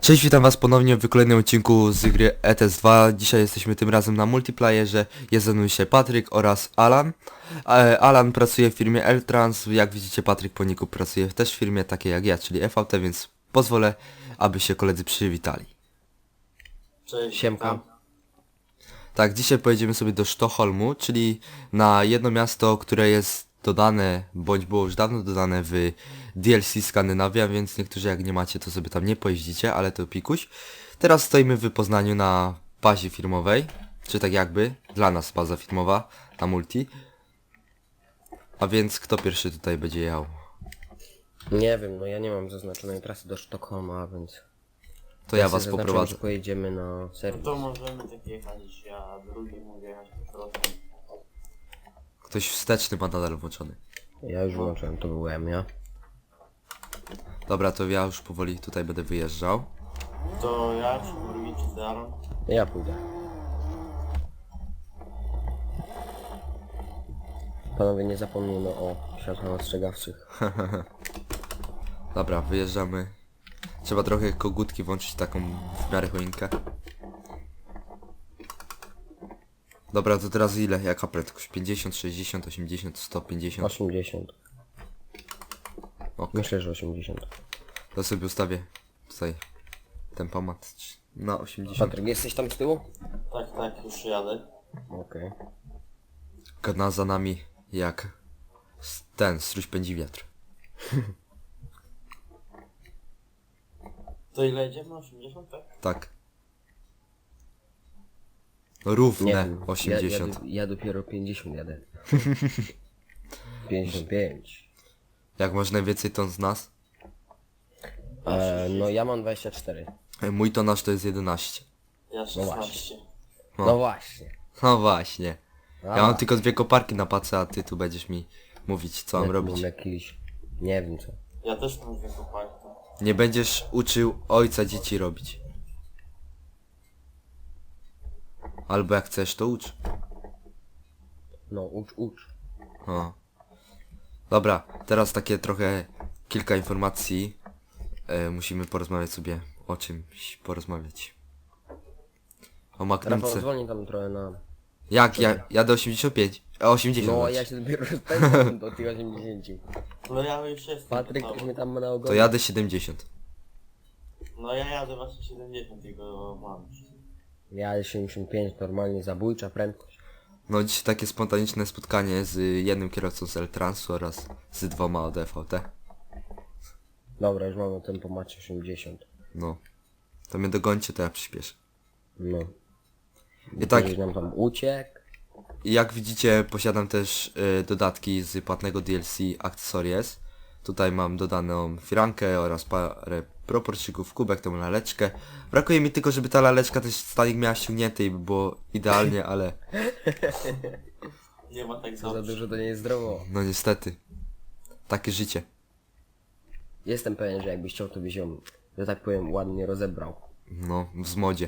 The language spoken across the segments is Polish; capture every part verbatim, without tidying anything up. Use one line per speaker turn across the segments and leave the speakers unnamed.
Cześć, witam was ponownie w kolejnym odcinku z gry E T S dwa. Dzisiaj jesteśmy tym razem na multiplayerze. Jest ze mną się Patryk oraz Alan. E, Alan pracuje w firmie L-Trans. Jak widzicie, Patryk po niku pracuje też w firmie takiej jak ja, czyli F V T, więc pozwolę, aby się koledzy przywitali.
Cześć.
Siemka.
Tak, dzisiaj pojedziemy sobie do Sztokholmu, czyli na jedno miasto, które jest dodane, bądź było już dawno dodane w D L C Skandynawia, więc niektórzy jak nie macie, to sobie tam nie pojeździcie, ale to pikuś. Teraz stoimy w Poznaniu na bazie firmowej, czy tak jakby, dla nas baza firmowa, na multi. A więc kto pierwszy tutaj będzie jechał?
Nie wiem, no ja nie mam zaznaczonej trasy do Sztokholma, więc...
To ja
sobie
was
zaznaczyłem,
poprowadzę.
że pojedziemy na
No
serwis.
to możemy tak jechać, ja drugi mogę jechać po prostu.
Ktoś wsteczny ma nadal włączony.
Ja już wyłączyłem, to byłem ja.
Dobra, to ja już powoli tutaj będę wyjeżdżał.
To ja czy drugi czy Zaron?
Ja pójdę. Panowie, nie zapomnijmy o światłach ostrzegawczych.
Dobra, wyjeżdżamy. Trzeba trochę kogutki włączyć, taką w miarę choinkę. Dobra, to teraz ile? Jaka prędkość? pięćdziesiąt, sześćdziesiąt, osiemdziesiąt, sto pięćdziesiąt?
osiemdziesiąt.
Ok,
Myślę, że osiemdziesiąt.
to sobie ustawię tutaj tempomat na osiemdziesiąt.
Patryk, jesteś tam z tyłu?
Tak, tak, już jadę.
Okej.
Gna za nami jak s- ten, struś pędzi wiatr.
To ile jedziemy? osiemdziesiąt, tak?
Tak.
Nie
Równe
wiem, ja,
osiemdziesiąt.
ja, ja dopiero pięćdziesiąt jadę. pięćdziesiąt pięć.
Jak masz najwięcej ton z nas?
E, no ja mam dwadzieścia cztery.
E, Mój tonaż to jest jedenaście.
Ja szesnaście.
O.
No właśnie.
No właśnie.
A,
Ja mam tylko dwie koparki na pace, a ty tu będziesz mi mówić, co mam
jak
robić.
mam jakiś... Nie wiem co.
Ja też mam dwie kopalki.
Nie będziesz uczył ojca dzieci robić. Albo jak chcesz, to ucz.
No ucz, ucz.
O. Dobra, teraz takie trochę kilka informacji. E, musimy porozmawiać sobie o czymś porozmawiać. O
Rafał,
Magnumce.
zwolnij tam trochę na...
Jak? Ja jadę osiemdziesiąt pięć. E, osiemdziesiąt.
No
znaczy.
ja się dopiero rozpędzam do tych osiemdziesięciu.
No ja już jestem.
Patryk
gotowy.
już mnie tam ma na ogonie.
To jadę siedemdziesiąt.
No ja jadę właśnie siedemdziesiąt, jego mam.
Ja siedemdziesiąt pięć, normalnie zabójcza prędkość.
No dzisiaj takie spontaniczne spotkanie z jednym kierowcą z L-Transu oraz z dwoma od F V T.
Dobra, już mamy tempomacie osiemdziesiąt.
No. To mnie dogońcie, to ja przyspieszę.
No.
I tak,
Ktoś nam tam uciekł.
jak widzicie, posiadam też y, dodatki z płatnego D L C Accessories. Tutaj mam dodaną firankę oraz parę proporczyków, kubek, tą laleczkę. Brakuje mi tylko, żeby ta laleczka też stanik miała ściągnięty i by było idealnie, ale
Nie ma tak
Co za
dobrze.
dużo to nie jest zdrowo.
no niestety. Takie życie.
Jestem pewien, że jakbyś chciał, to byś ją, że tak powiem, ładnie rozebrał.
No, w zmodzie.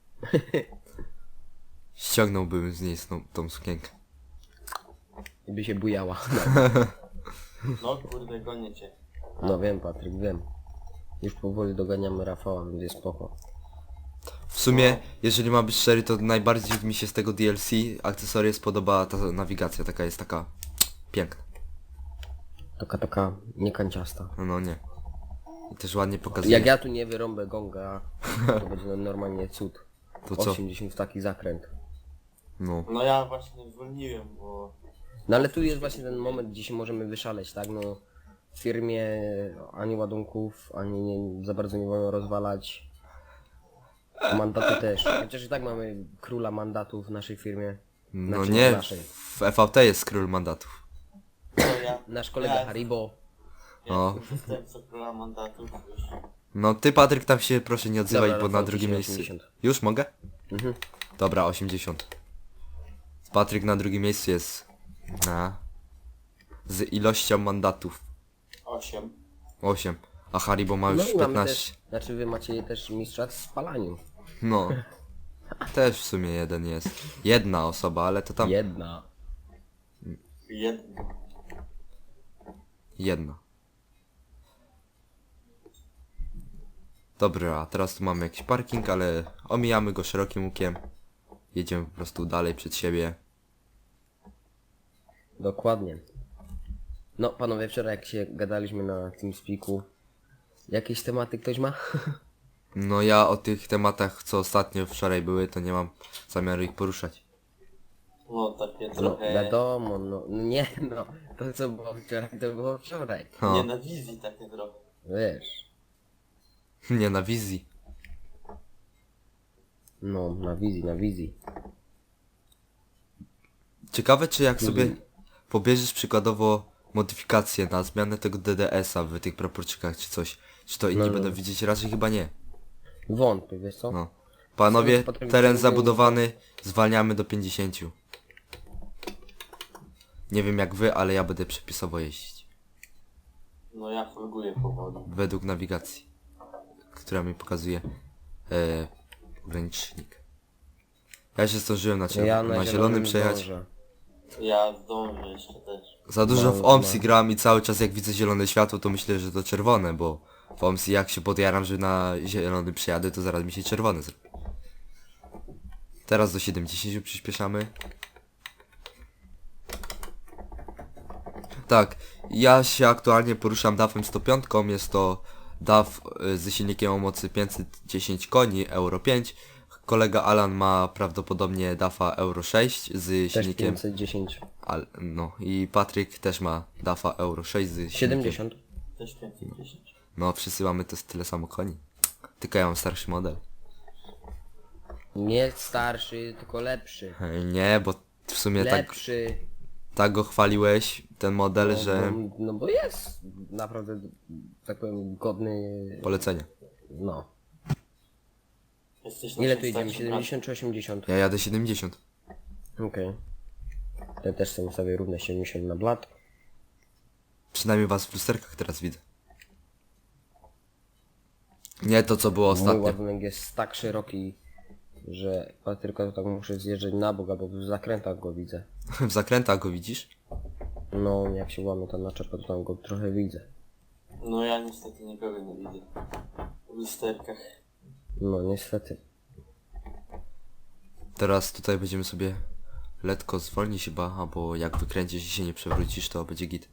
Ściągnąłbym z niej tą, tą sukienkę.
I by się bujała.
No kurde, gonię cię.
No wiem, Patryk, wiem. Już powoli doganiamy Rafała, więc jest spoko.
W sumie, jeżeli mam być szczery, to najbardziej mi się z tego D L C Accessories podoba ta nawigacja, taka jest taka piękna.
Taka, taka niekanciasta.
No, no nie. I też ładnie pokazuje.
Jak ja tu nie wyrąbę gonga, to będzie no normalnie cud.
To co?
osiemdziesiąt taki zakręt.
No.
No ja właśnie zwolniłem, bo...
No ale tu jest właśnie ten moment, gdzie się możemy wyszaleć, tak? No w firmie ani ładunków, ani nie, za bardzo nie wolno rozwalać. Mandaty też. Chociaż i tak mamy króla mandatów w naszej firmie.
No
Znaczy,
nie,
w naszej.
w F V T jest król mandatów.
No ja...
Nasz kolega
ja,
Haribo.
Ja
O.
jestem zastępcą króla mandatów już.
No ty, Patryk, tam się proszę nie odzywaj,
Dobra,
bo na
Rafał,
drugim
dzisiaj
miejscu...
osiemdziesiąt.
Już mogę?
Mhm.
Dobra, osiemdziesiąt. Patryk na drugim miejscu jest na... z ilością mandatów.
osiem.
osiem. A Haribo ma już
No i mamy
piętnaście.
też, znaczy wy macie też mistrza w spalaniu.
No. Też w sumie jeden jest. Jedna osoba, ale to tam...
Jedna.
Jedno.
Jedna. Dobra, a teraz tu mamy jakiś parking, ale omijamy go szerokim łukiem. Jedziemy po prostu dalej przed siebie.
Dokładnie. No panowie, wczoraj jak się gadaliśmy na TeamSpeaku, jakieś tematy ktoś ma?
No ja o tych tematach, co ostatnio wczoraj były, to nie mam zamiaru ich poruszać.
No takie
No
trochę...
wiadomo, no no nie no, to co było wczoraj, to było wczoraj.
No,
Nie, na wizji takie trochę.
Wiesz,
nie na wizji.
no na wizji, na wizji.
Ciekawe, czy jak sobie pobierzesz przykładowo modyfikację na zmianę tego D D S-a w tych proporczykach czy coś, czy to inni
No, no.
będą widzieć? Raczej chyba nie.
Wątpię, wiesz co?
No. Panowie,
Co, potem
teren
będziemy-
zabudowany, zwalniamy do pięćdziesięciu. Nie wiem jak wy, ale ja będę przepisowo jeździć.
No ja folguję powoli.
Według nawigacji, która mi pokazuje e, ogranicznik. Ja się zdążyłem na, czerw-
Ja
na zielonym przejechać.
zdążę.
Ja zdążę jeszcze też.
Za dużo w
No,
OMSI
no.
gram i cały czas jak widzę zielone światło, to myślę, że to czerwone, bo w OMSI jak się podjaram, że na zielony przejadę, to zaraz mi się czerwony zrobi. Teraz do siedemdziesięciu przyspieszamy. Tak, ja się aktualnie poruszam dafem sto pięć, jest to daf y, ze silnikiem o mocy pięćset dziesięć koni, Euro pięć. Kolega Alan ma prawdopodobnie dafa Euro sześć z
Też
silnikiem...
pięćset dziesięć.
Al, no i Patryk też ma dafa Euro sześć z silnikiem.
siedemdziesiąt.
Też pięćset dziesięć.
No wszyscy mamy to tyle samo koni. Tylko ja mam starszy model.
Nie starszy, tylko lepszy.
E, Nie, bo w sumie tak,
Lepszy.
tak go chwaliłeś, ten model,
No,
że
no, no bo jest naprawdę, tak powiem, godny.
polecenie.
No.
Jesteś na
Ile tu
czymś
idziemy?
takim,
siedemdziesiąt czy osiemdziesiąt?
Ja jadę siedemdziesiąt.
Okej. Ja też sobie ustawię równe siedemdziesiąt na blat.
Przynajmniej was w lusterkach teraz widzę. Nie to co było
Mój
ostatnio.
ładunek jest tak szeroki, że ja tylko tak muszę zjeżdżać na bok, bo w zakrętach go widzę.
W zakrętach go widzisz?
No, jak się łamie ta naczepę, to tam go trochę widzę.
No ja niestety nikogo nie widzę. W lusterkach.
No, niestety.
Teraz tutaj będziemy sobie letko zwolnić chyba, albo jak wykręcisz i się nie przewrócisz, to będzie git.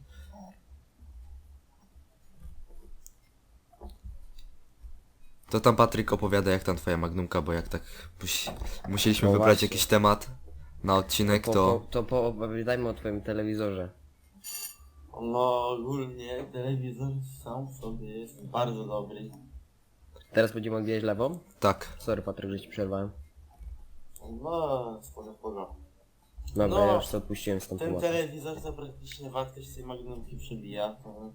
To tam Patryk opowiada jak tam twoja magnumka, bo jak tak musi, musieliśmy
No
wybrać
właśnie.
jakiś temat na odcinek,
Po,
to...
po, to poopowiadajmy o twoim telewizorze.
No ogólnie telewizor sam w sobie jest bardzo dobry.
Teraz będziemy odbijać lewą?
Tak.
Sorry Patryk, że ci przerwałem.
No spoko, spoko.
Dobra,
No,
ja już to odpuściłem z tą
Ten
tematem.
telewizor za praktycznie wartość tej magnumki przebija. To...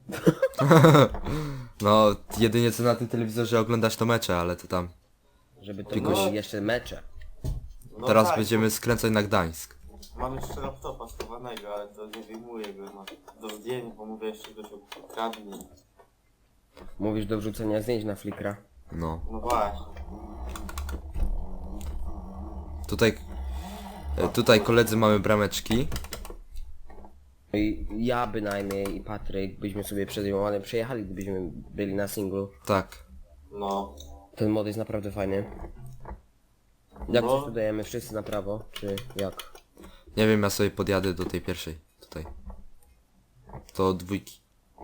No, jedynie co na tym telewizorze oglądasz to mecze, ale to tam...
Żeby to
Tylko
były
się-
jeszcze mecze.
No
Teraz
tak,
będziemy skręcać na Gdańsk.
Mam jeszcze laptopa schowanego, ale to nie wyjmuję go na, do zdjęć, bo mówię jeszcze ktoś ukradnie.
Mówisz do wrzucenia zdjęć na Flickra.
No.
No właśnie.
Tutaj... e, Tutaj koledzy mamy brameczki.
I ja bynajmniej i Patryk byśmy sobie przed Jomanem przejechali, gdybyśmy byli na singlu.
Tak.
No.
Ten mod jest naprawdę fajny. Jak
No.
coś tu dajemy wszyscy na prawo, czy jak?
Nie wiem, ja sobie podjadę do tej pierwszej. Tutaj. To dwójki.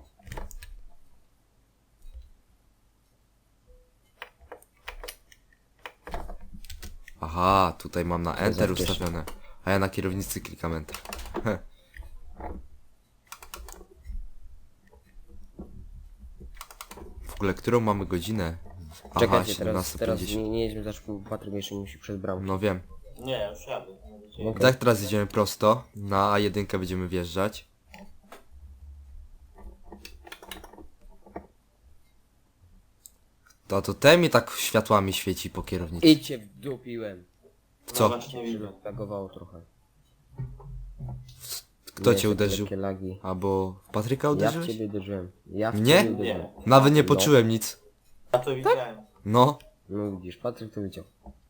Aha, tutaj mam na Enter
Zawsze.
ustawione. A ja na kierownicy klikam Enter. Heh. W ogóle, którą mamy godzinę? Aha,
Czekajcie, teraz, teraz
siedemnaście pięćdziesiąt.
nie, nie jedźmy, zaraz Patryk jeszcze musi przez bramkę.
No wiem.
Nie, już jadę. Nie będzie-
Okej.
Tak, teraz idziemy prosto. Na A jeden będziemy wjeżdżać. To, to te mi tak światłami świeci po kierownicy.
Idźcie wdupiłem.
Co?
No właśnie widzę.
Lagowało trochę.
Kto
Nie,
cię
takie
uderzył?
lekkie lagi.
Albo w Patryka
Ja w
uderzyłeś?
ciebie uderzyłem. Ja w
Mnie?
ciebie uderzyłem.
Nie.
Nawet nie
No.
poczułem nic.
Ja to widziałem.
No.
No widzisz, Patryk to widział.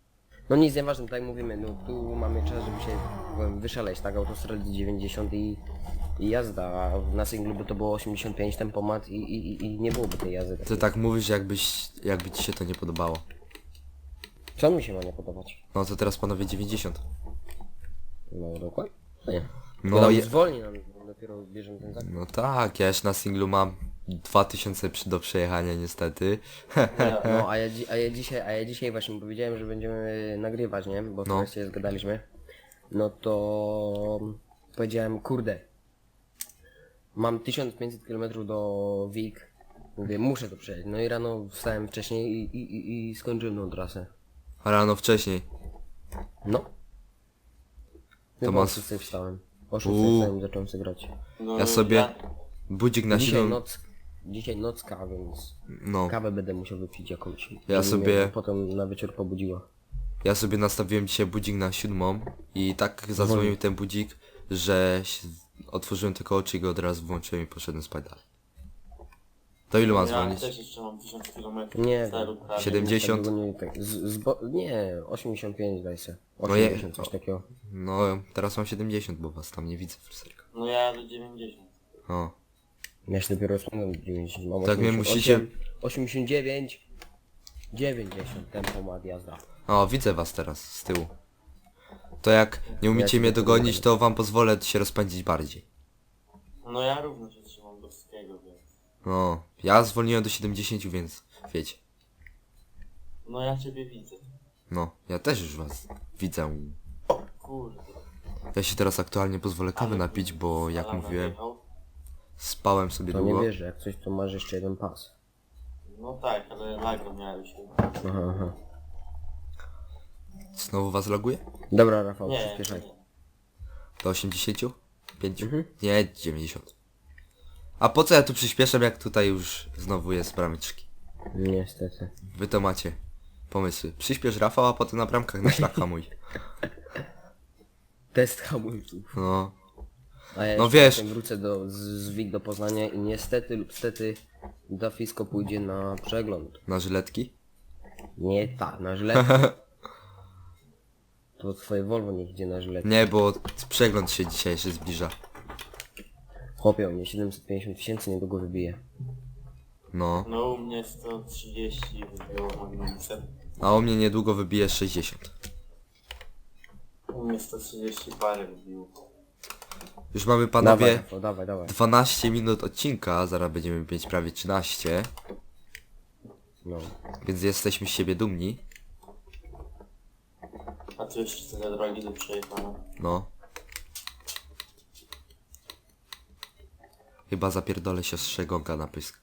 No nic, nieważne, tak jak mówimy, no tu mamy czas, żeby się powiem, wyszaleć, tak, autostrady dziewięćdziesiąt i, i jazda, a na singlu by to było osiemdziesiąt pięć tempomat i, i, i nie byłoby tej jazdy.
Ty
takiej.
tak mówisz, jakbyś, jakby ci się to nie podobało.
Co mi się ma nie podobać?
No to teraz panowie dziewięćdziesiąt.
No dokładnie. No nie.
No,
No
je,
zwolni nam, dopiero bierzemy ten zakup.
no tak, ja już na singlu mam dwa tysiące przy, do przejechania niestety.
Ja,
No a ja, dzi- a ja dzisiaj, a ja dzisiaj właśnie powiedziałem, że będziemy nagrywać, nie? Bo
No.
no. się zgadaliśmy. No to powiedziałem, kurde, mam tysiąc pięćset kilometrów do Wig. Mówię, muszę to przejść. No i rano wstałem wcześniej i, i, i, i skończyłem tą trasę.
A rano wcześniej.
No. Chyba
ma
o
s-
szóstej wstałem. O szóstej
Uuu.
wstałem i zacząłem sobie grać.
no,
Ja sobie budzik na
Dzisiaj
siedem.
noc, dzisiaj nocka, więc
No,
kawę będę musiał wypić jakąś.
Ja
żeby
sobie-
mnie potem na wieczór pobudziła.
ja sobie nastawiłem dzisiaj budzik na siódmą i tak zadzwonił ten budzik, że się- otworzyłem tylko oczy i go od razu włączyłem i poszedłem spać dalej. To ilu mam
Ja
dzwonić?
też jeszcze mam tysiąc kilometrów.
Nie
celu prawie.
siedemdziesiąt?
Tak długo nie, tak, z, z, bo, nie, osiemdziesiąt pięć daj se.
No je-
osiemdziesiąt, coś takiego.
No, teraz mam siedemdziesiąt, bo was tam nie widzę w lusterku.
No ja do dziewięćdziesiąt.
O,
Ja się dopiero rozpędzam do dziewięćdziesiąt. Mam
Tak mnie
osiemdziesiąt
musicie-
osiem, osiemdziesiąt dziewięć, dziewięćdziesiąt tempomat jazda.
o, widzę was teraz z tyłu. To jak nie
Ja
umiecie
cię
mnie
nie
dogonić,
dogonię.
to wam pozwolę się rozpędzić bardziej.
No ja równo się trzymam do wszystkiego, więc...
No, ja zwolniłem do siedemdziesiąt, więc wiecie.
No ja ciebie widzę.
No, ja też już was widzę.
Kurde.
Ja się teraz aktualnie pozwolę kawy
Ale
napić, bo jak
Salama
mówiłem,
wjechał.
spałem sobie
To nie
długo.
wierzę, jak coś to masz jeszcze jeden pas.
No tak, ale lago miałeś chyba.
Aha, aha.
Znowu was loguje?
Dobra Rafał,
Nie,
przyspieszaj.
nie.
Do osiemdziesiąt pięć?
Mhm.
Nie, dziewięćdziesiąt. A po co ja tu przyspieszam, jak tutaj już znowu jest brameczki?
Niestety.
Wy to macie pomysły. Przyspiesz Rafał, a potem na bramkach na szlak hamuj.
Test hamulców.
No,
A ja
No
jeszcze
wiesz-
potem wrócę do, z, z Wig do Poznania i niestety lub stety Dafisko pójdzie na przegląd.
na żyletki?
Nie tak, na żyletkę. To twoje Volvo niech idzie na żyletkę.
Nie, bo przegląd się dzisiaj się zbliża.
Chłopie, u mnie siedemset pięćdziesiąt tysięcy niedługo wybije.
No,
No u mnie sto trzydzieści wybiło magnumusem.
a u mnie niedługo wybije sześćdziesiąt.
U mnie sto trzydzieści parę wybiło.
Już mamy
Dawaj,
panowie
Rafał, dawaj, dawaj.
dwanaście minut odcinka, zaraz będziemy mieć prawie trzynaście,
No.
więc jesteśmy z siebie dumni.
A tu jeszcze tyle drogi do przejechania.
No. Chyba zapierdolę siostrze Gonga na pysk.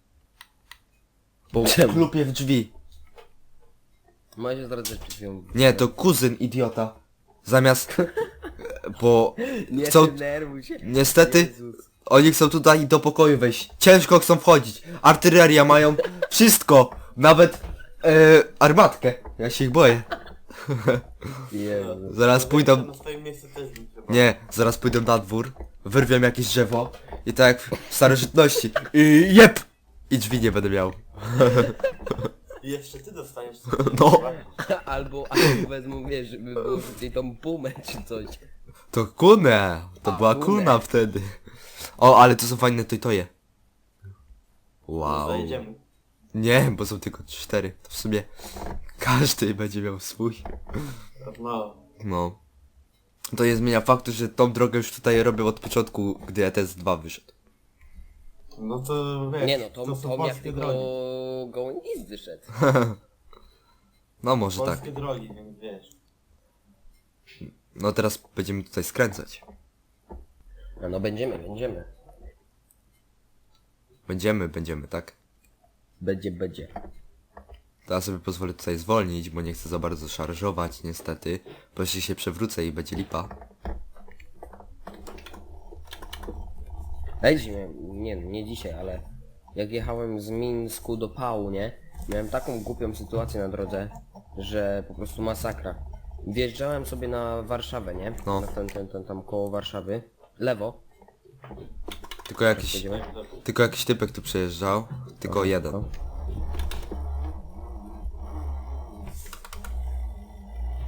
Bo
Czemu?
klupie w drzwi.
Moja siostra też przed chwilą...
Nie, to kuzyn idiota. Zamiast... Bo
Nie
chcą...
denerwuj się.
Niestety
Jezus.
oni chcą tutaj do pokoju wejść. Ciężko chcą wchodzić. Artyleria mają. Wszystko. Nawet e, armatkę. Ja się ich boję.
Jezu.
Zaraz
No,
pójdą...
Na swoim miejscu też bym chyba.
Nie, zaraz pójdą na dwór. Wyrwią jakieś drzewo. I tak jak w starożytności. I jep! I drzwi nie będę miał.
I jeszcze ty dostaniesz coś.
No.
Albo, albo wezmą, wiesz, żeby było tutaj tą pumę czy coś.
To kunę. To była
kunę.
kuna wtedy. O, ale to są fajne toje.
No,
Wow.
zajdziemy.
Nie, bo są tylko cztery. To w sumie każdy będzie miał swój.
No.
No. To nie zmienia faktu, że tą drogę już tutaj robię od początku, gdy E T S dwa wyszedł.
No to wiesz,
Nie no, to,
to
to,
są
to jak
polskie
tylko
drogi.
gołębis wyszedł.
No może tak.
Polskie drogi, więc wiesz.
No teraz będziemy tutaj skręcać.
No, no będziemy, będziemy.
Będziemy, będziemy, tak?
Będzie, będzie.
Teraz sobie pozwolę tutaj zwolnić, bo nie chcę za bardzo szarżować niestety. Bo jeśli się przewrócę i będzie lipa.
Ej, dzisiaj miałem, nie, nie dzisiaj, ale jak jechałem z Mińsku do Pału, nie? Miałem taką głupią sytuację na drodze, że po prostu masakra. Wjeżdżałem sobie na Warszawę, nie?
No.
Na ten, ten, ten tam koło Warszawy. Lewo.
Tylko jakiś,
Jedziemy?
tylko jakiś typek tu przejeżdżał. Tylko jeden.
No.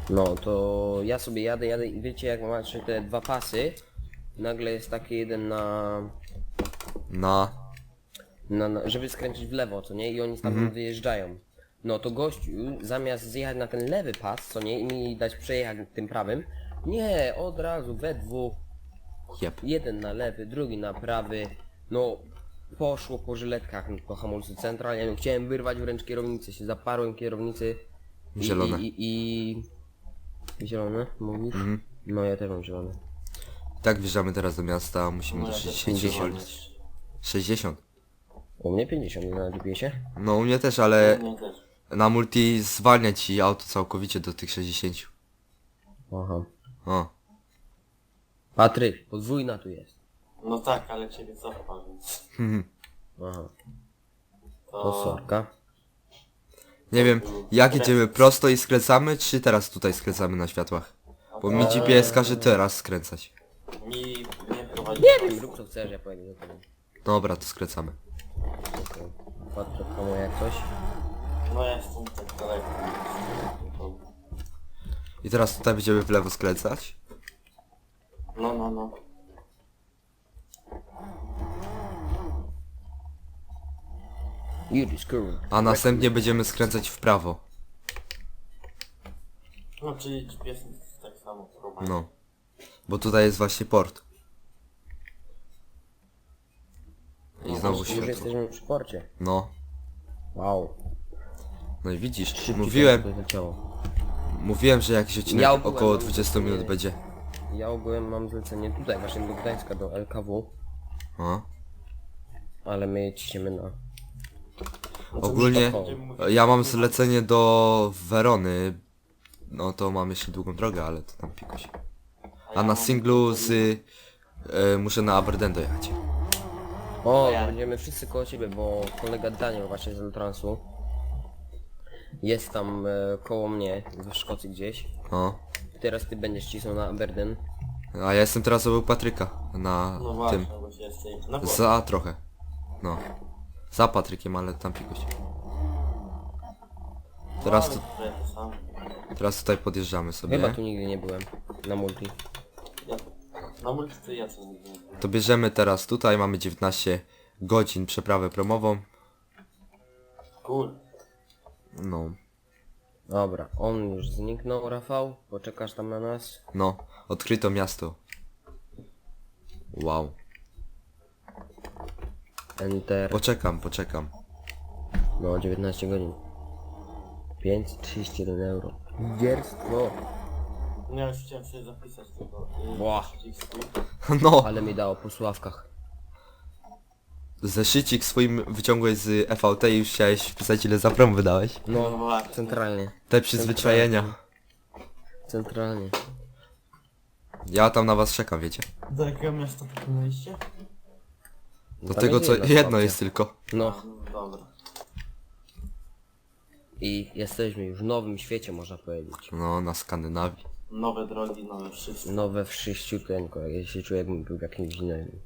No to ja sobie jadę, jadę i wiecie jak macie te dwa pasy, nagle jest taki jeden na,
Na...
na, na żeby skręcić w lewo, co nie? I oni tam
Mhm.
wyjeżdżają. No to gościu zamiast zjechać na ten lewy pas, co nie? I mi dać przejechać tym prawym, nie, od razu we dwóch,
Jep.
jeden na lewy, drugi na prawy, no poszło po żyletkach po hamulcu centralnie, no, chciałem wyrwać wręcz kierownicę, się zaparłem kierownicy i,
Zielone.
i, i, i... Zielone, mówisz?
Mhm.
No ja też mam zielone.
Tak wjeżdżamy teraz do miasta, musimy
No
do
ja też
sześćdziesięciu
pięćdziesiąt.
zwolnić. sześćdziesiąt.
U mnie pięćdziesiąt na G P S-ie.
No u mnie też, ale
Nie też.
na multi zwalnia ci auto całkowicie do tych sześćdziesięciu.
Aha.
O.
Patryk, podwójna tu jest.
No tak, ale ciebie cofa, więc
Aha.
to...
To sorka.
Nie wiem, jak jedziemy, prosto i skręcamy, czy teraz tutaj skręcamy na światłach? Bo mi G P S każe teraz skręcać.
Mi nie prowadzi.
Nie wiem, rób co chcesz, ja pojedę do tego.
Dobra, to skręcamy.
Patryk, komu jak coś?
No ja jestem tak daleko.
I teraz tutaj będziemy w lewo skręcać.
No, no, no.
Judy Current.
A następnie będziemy skręcać w prawo.
No, czyli G P S jest tak samo prowadzi.
No. Bo tutaj jest właśnie port. I znowu
Już
światło.
jesteśmy przy porcie.
No.
Wow.
No i widzisz,
Szybciej
mówiłem,
to leciało.
mówiłem, że jakiś odcinek
Ja ogółem
około
mam
dwadzieścia minut
zlecenie-
będzie.
Ja ogółem mam zlecenie tutaj, właśnie do Gdańska, do L K W.
O.
Ale my ciśniemy na...
Ogólnie
Sztokholm.
ja mam zlecenie do Werony. No to mam jeszcze długą drogę, ale to tam pikuś. A na singlu z... Y, muszę na Aberdeen dojechać.
O,
Ja.
będziemy wszyscy koło ciebie, bo kolega Daniel właśnie z Eltransu jest tam e, koło mnie, w Szkocji gdzieś.
No.
Teraz ty będziesz cisnął na Aberdeen.
A ja jestem teraz obok Patryka. Na
No właśnie,
tym.
bo się jesteś... No bo...
Za trochę. No. Za Patrykiem, ale tam pikuś. Teraz, tu,
No, ale to samo.
teraz tutaj podjeżdżamy
Chyba
sobie.
tu nigdy nie byłem, na multi.
Ja... Na multi to ja co nigdy nie byłem.
To bierzemy teraz tutaj, mamy dziewiętnaście godzin przeprawę promową.
Cool.
No.
Dobra, on już zniknął, Rafał, poczekasz tam na nas.
No. Odkryto miasto. Wow.
Enter,
Poczekam, poczekam.
no dziewiętnaście godzin. pięćset trzydzieści jeden euro. Dzierstwo.
No ja już chciałem sobie zapisać tylko... Yy,
Ła.
przycisk swój.
No.
Ale mi dało po sławkach.
Zeszycik swoim wyciągłeś z F V T i już chciałeś wpisać ile za prom wydałeś.
No
No,
właśnie.
centralnie.
Te przyzwyczajenia.
Centralnie.
Ja tam na was czekam, wiecie.
Do jakiego miasta popłynęliście?
Do
Tam
tego
jest
co
jedna
jedno
stacja.
jest tylko.
No,
No dobra.
i jesteśmy już w nowym świecie, można powiedzieć.
No, na Skandynawii.
Nowe drogi, nowe wszystko.
Nowe wszyściuteńko, ja się czuję jakbym był jakimś innym.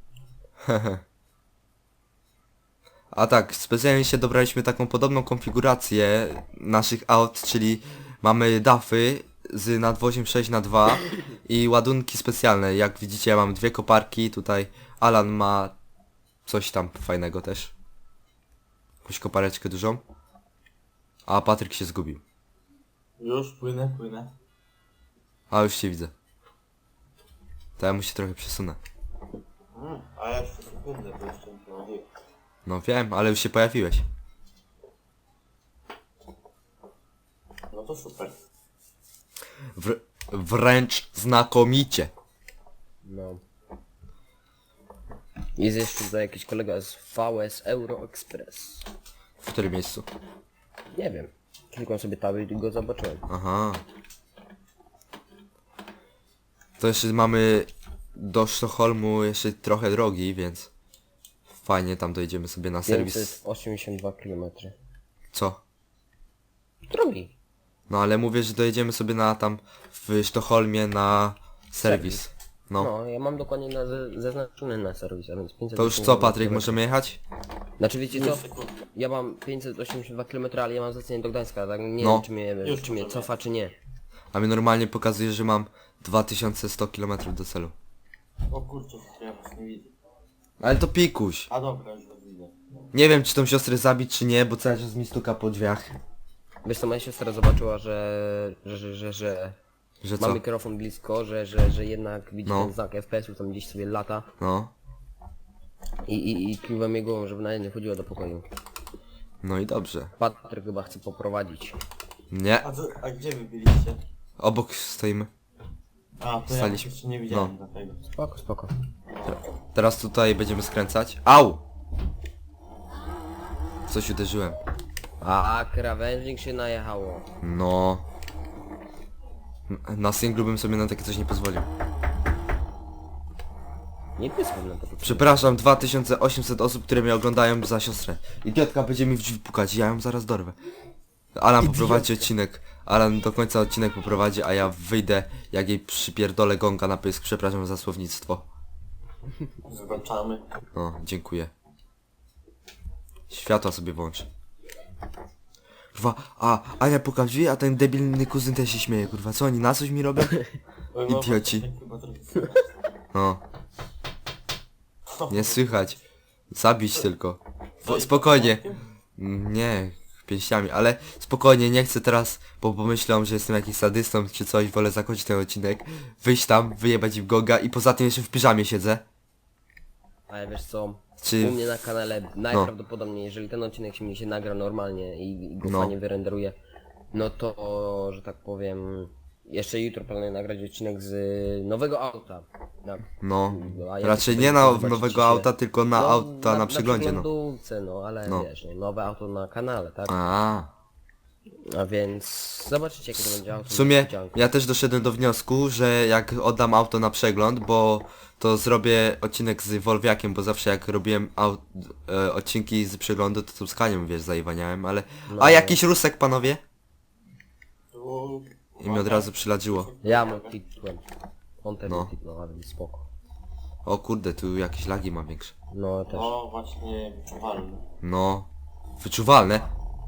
A tak, specjalnie się dobraliśmy taką podobną konfigurację naszych aut, czyli mamy dafy z nadwoziem sześć na dwa i ładunki specjalne. Jak widzicie, ja mam dwie koparki, tutaj Alan ma coś tam fajnego też. Jakąś kopareczkę dużą. A Patryk się zgubił.
Już płynę, płynę.
A już się widzę. To ja mu się trochę przesunę.
Mm, a ja jeszcze sekundę, bo jeszcze nie prowadziłem.
No wiem, ale już się pojawiłeś.
No to super.
Wr wręcz znakomicie.
No. Jest jeszcze tutaj jakiś kolega z V S Euro Express.
W którym miejscu?
Nie wiem. Klikam sobie taby i go zobaczyłem.
Aha. To jeszcze mamy do Sztokholmu jeszcze trochę drogi, więc fajnie tam dojedziemy sobie na serwis.
pięćset osiemdziesiąt dwa kilometry.
Co?
Drogi.
No ale mówię, że dojedziemy sobie na tam w Sztokholmie na serwis. No.
No, ja mam dokładnie na, ze- zaznaczony na serwis, a więc pięćset
To już co,
osiemdziesiąt dwa
Patryk,
kilometry.
możemy jechać?
Znaczy wiecie co?
Sekund.
Ja mam pięćset osiemdziesiąt dwa kilometry, ale ja mam zlecenie do Gdańska, tak nie
No.
wiem czy mnie,
Już
czy mnie
możemy.
cofa czy nie.
A mi normalnie pokazuje, że mam dwa tysiące sto kilometrów do celu.
O kurczę, ja was nie widzę.
Ale to pikuś.
A dobra, już was widzę.
Nie wiem, czy tą siostrę zabić, czy nie, bo cały czas mi stuka po drzwiach.
Wiesz co, moja siostra zobaczyła, że... że, że, że, że
Że
ma
co?
mikrofon blisko, że, że, że jednak widzi
No.
ten znak F P S-u, tam gdzieś sobie lata.
No.
I, i, i kiwa mnie głową, żeby nawet nie chodziła do pokoju.
No i dobrze.
Patryk chyba chce poprowadzić.
Nie.
A, co, a gdzie wy byliście?
Obok stoimy.
A, to ja
Staliśmy.
jeszcze nie widziałem
No.
dlatego.
Spoko, spoko.
Teraz tutaj będziemy skręcać. Au! Coś uderzyłem.
A, krawężnik się najechało.
No. Na singlu bym sobie na takie coś nie pozwolił.
Nie pisałem na to.
Przepraszam, dwa tysiące osiemset osób, które mnie oglądają za siostrę. Idiotka będzie mi w drzwi pukać, ja ją zaraz dorwę. Alan poprowadzi odcinek. Alan do końca odcinek poprowadzi, a ja wyjdę, jak jej przypierdolę gonga na pysk. Przepraszam za słownictwo.
Zobaczamy.
No, dziękuję. Światła sobie włącz. Kurwa, a Ania puka w drzwi, a ten debilny kuzyn też się śmieje, kurwa. Co oni na coś mi robią?
Oj, mama,
Idioci.
tak chyba trochę słychać.
No, nie słychać. Zabić tylko.
Co, i
Spokojnie.
początkiem?
Nie, pięściami, ale spokojnie, nie chcę teraz, bo pomyślą, że jestem jakiś sadystą czy coś, wolę zakończyć ten odcinek, wyjść tam, wyjebać im goga i poza tym jeszcze w piżamie siedzę.
Ale wiesz co,
Czy...
u mnie na kanale najprawdopodobniej, jeżeli ten odcinek się mi się nagra normalnie i, i go
No.
fajnie wyrenderuje, no to, że tak powiem, jeszcze jutro planuję nagrać odcinek z nowego auta. Na,
No,
a jak
raczej
to
nie
będzie,
na
zobaczycie
nowego
się-
auta, tylko na
no,
auta na, przeglądzie, no.
przeglądówce, no, ale
No.
wiesz, no, nowe auto na kanale, tak?
A,
A więc zobaczycie jakie to będzie auto.
w sumie
niespodzianka.
ja też doszedłem do wniosku, że jak oddam auto na przegląd, bo to zrobię odcinek z Wolwiakiem, bo zawsze jak robiłem aut, e, odcinki z przeglądu, to tu z Kanią, wiesz, zaiwaniałem, ale...
No.
A jakiś rusek, panowie?
Tu...
I mi od razu przyladziło.
Ja mu klikłem. On też
No.
no. kliknął, a więc spoko.
O kurde, tu jakieś lagi mam większe.
No też.
No właśnie, wyczuwalne.
No, wyczuwalne.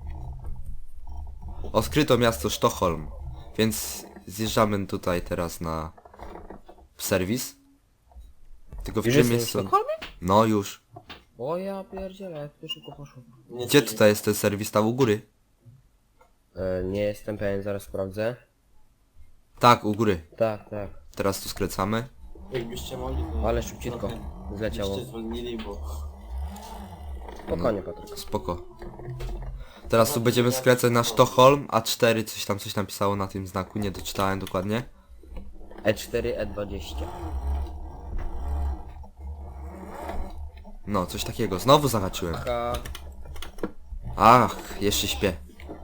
Odkryto miasto Sztokholm, więc zjeżdżamy tutaj teraz na serwis. Tylko w
Już
czym
jesteś
jest...
w Sztokholmie?
No już.
O ja pierdzielę, jak to szybko poszło.
Nie
Gdzie
coś-
tutaj jest ten serwis? Tam u góry?
E, nie jestem pewien, zaraz sprawdzę.
Tak, u góry.
Tak, tak.
Teraz tu skręcamy.
Jakbyście mogli, to...
Ale szybciutko
trochę
zleciało.
byście zwolnili, bo...
Spokojnie, Patryk.
Spoko. Teraz tu będziemy skręcać na Sztokholm, A cztery, coś tam, coś tam pisało na tym znaku, nie doczytałem dokładnie.
E cztery, E dwadzieścia.
No, coś takiego. Znowu zahaczyłem.
Ka...
Ach, jeszcze śpię.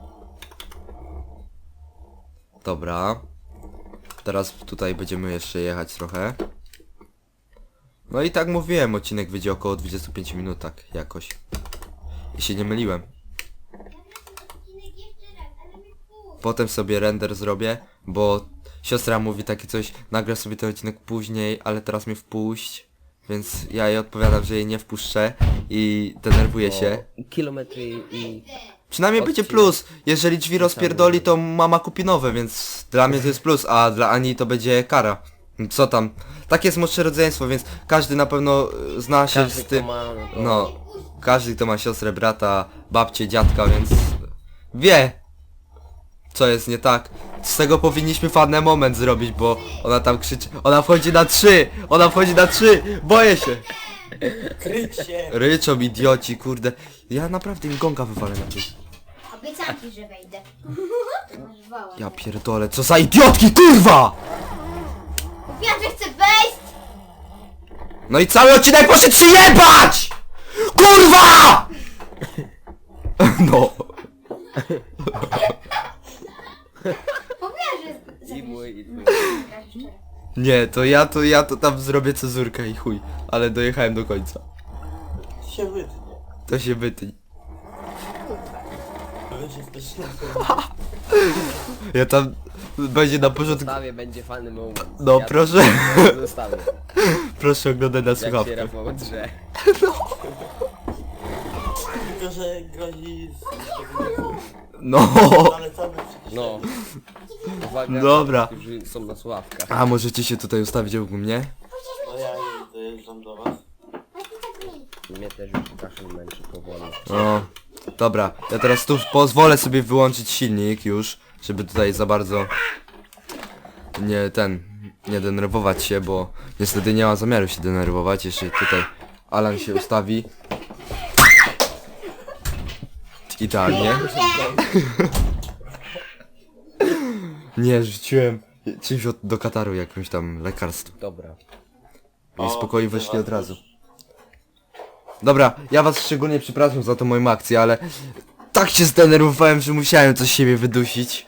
Dobra. Teraz tutaj będziemy jeszcze jechać trochę. No i tak mówiłem, odcinek wyjdzie około dwadzieścia pięć minut, tak jakoś. I się nie myliłem. Potem sobie render zrobię, bo siostra mówi takie coś, nagra sobie ten odcinek później, ale teraz mnie wpuść. Więc ja jej odpowiadam, że jej nie wpuszczę i denerwuję się.
I kilometry i...
Przynajmniej będzie
Odcinek.
plus. Jeżeli drzwi rozpierdoli, to mama kupi nowe, więc dla mnie to jest plus, a dla Ani to będzie kara. Co tam? Takie jest młodsze rodzeństwo, więc każdy na pewno e, zna się
Każdy
z tym.
kto ma, no to...
No, każdy kto ma siostrę, brata, babcię, dziadka, więc wie, co jest nie tak. Z tego powinniśmy fajny moment zrobić, bo ona tam krzyczy. Ona wchodzi na trzy! Ona wchodzi na trzy! Boję się!
Kryć się!
Ryczą idioci, kurde. Ja naprawdę im gonga wywalę na tym.
Obiecam ci, że wejdę. Masz wała.
Ja pierdolę, co za idiotki, kurwa!
Mówiłam, że chcę wejść!
No i cały odcinek poszedł się jebać! Kurwa! No.
Mówiłam, że...
I mój, i twój.
Nie, to ja to ja to tam zrobię cezurkę i chuj. Ale dojechałem do końca.
się wytnie.
To się wytnie.
To wiesz, jesteś na
Ja tam będzie na porządku.
Zostawię, będzie fajny moment.
No
Ja
proszę.
to Zostawię.
Proszę oglądać na
Jak się
słuchawkę.
Rafał drze.
Tylko, że grozi z...
No.
Ale cały przecież...
No. Uwaga,
Dobra.
którzy są na sławkach.
A możecie się tutaj ustawić obok mnie?
No ja już dojeżdżam do was.
Mnie też już kaszel męczy powoli.
No. Dobra, ja teraz tu pozwolę sobie wyłączyć silnik już, żeby tutaj za bardzo nie ten, nie denerwować się, bo niestety nie ma zamiaru się denerwować, jeszcze tutaj Alan się ustawi. Idealnie. Nie, rzuciłem czymś od, do kataru, jakimś tam lekarstwem.
Dobra.
I
O,
spokojnie
widzę
weszli
was
od razu.
już.
Dobra, ja was szczególnie przepraszam za tą moją akcję, ale tak się zdenerwowałem, że musiałem coś z siebie wydusić.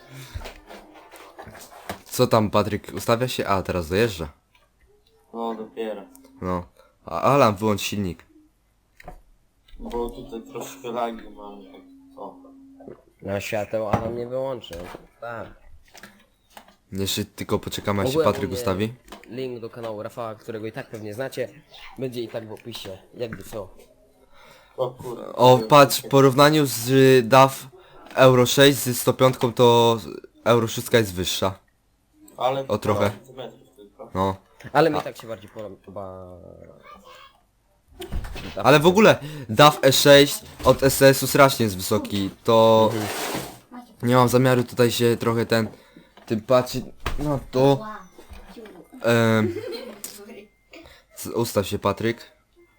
Co tam, Patryk, ustawia się? A, teraz dojeżdża.
No dopiero.
No. A Alan, wyłącz silnik.
Bo tutaj troszkę lagi mam. Tak. O.
Na świateł, a on nie wyłączy. Tak.
Jeszcze tylko poczekamy, aż się
Ogółem
Patryk
u mnie
ustawi.
Link do kanału Rafała, którego i tak pewnie znacie, będzie i tak w opisie. Jakby co.
O kurde.
O, patrz, w porównaniu z y, D A W Euro sześć z sto pięć to Euro sześć jest wyższa.
Ale
o, trochę.
parę centymetrów tylko.
No.
Ale mi tak się bardziej podoba.
Ale w ogóle D A W E sześć od S S u strasznie jest wysoki, to nie mam zamiaru tutaj się trochę ten tym patrzeć, no to em, z- ustaw się, Patryk.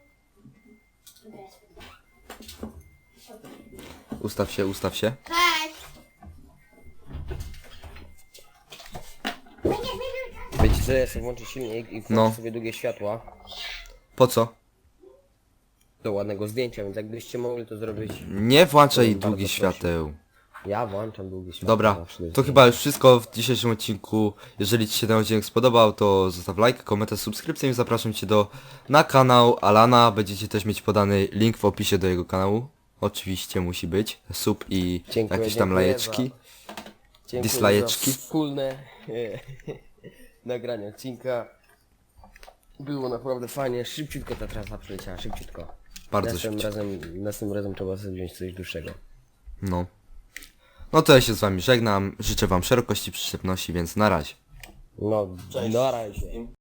Ustaw się, ustaw się.
Cześć!
Wiecie co, ja sobie włączę silnik i włączę
No.
sobie długie światła
Po co?
do ładnego zdjęcia, więc jakbyście mogli to zrobić.
Nie włączaj
Bardzo
długich
proszę.
świateł.
Ja włączam długie światła.
Dobra,
zawsze
to
jest-
chyba już wszystko w dzisiejszym odcinku. Jeżeli Ci się ten odcinek spodobał, to zostaw like, komentarz, subskrypcję i zapraszam Cię do na kanał Alana. Będziecie też mieć podany link w opisie do jego kanału. Oczywiście musi być sub i
Dziękuję,
jakieś tam
dziękuję
lajeczki.
Dziękuję
Dislajeczki.
za wspólne nagranie odcinka. Było naprawdę fajnie, szybciutko ta trasa przeleciała, szybciutko.
Bardzo
następnym
szybciutko.
razem, następnym razem trzeba sobie wziąć coś dłuższego.
No. No to ja się z Wami żegnam. Życzę Wam szerokości przyczepności, więc na razie.
No,
Cześć.
na razie.
wszystkim.